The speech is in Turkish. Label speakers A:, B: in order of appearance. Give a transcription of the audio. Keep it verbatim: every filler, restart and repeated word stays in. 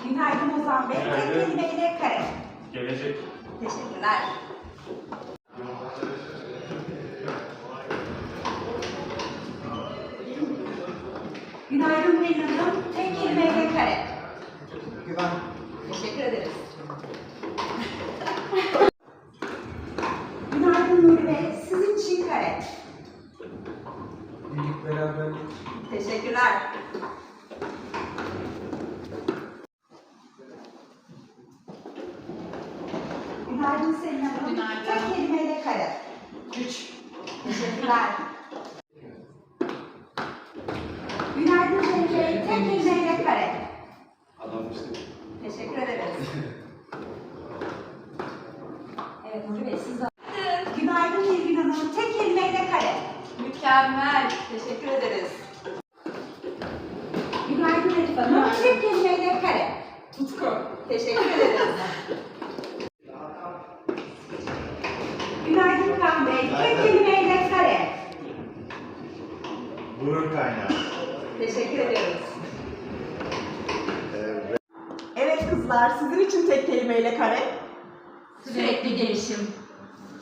A: Günaydın Ozan Bey. Tek kelimeyle kare.
B: Gelecek.
A: Teşekkürler. Günaydın Pelin Hanım. Tek kelimeyle kare.
C: Güven.
A: Teşekkür ederiz. Günaydın Nuri Bey. Sizin için kare.
C: Birlik, beraberlik.
A: Teşekkürler. Günaydın Selin Hanım.
D: Günaydın.
A: Tek kelimeyle kare.
D: Üç.
A: Teşekkürler. Günaydın Cenk Bey. Tek kelimeyle kare.
B: Adammıştık.
A: Teşekkür ederiz. Evet Nuri Bey siz de. Günaydın Nilgün Hanım. Tek kelimeyle kare.
D: Mükemmel.
A: Teşekkür ederiz. Günaydın Elif Hanım. Tek kelimeyle kare.
D: Tutku.
A: Teşekkür ederiz. Günaydın Kaan Bey. Tek kelimeyle kare.
B: Gurur kaynağı.
A: Teşekkür ediyoruz.
E: Evet kızlar, sizin için tek kelimeyle kare.
D: Sürekli gelişim.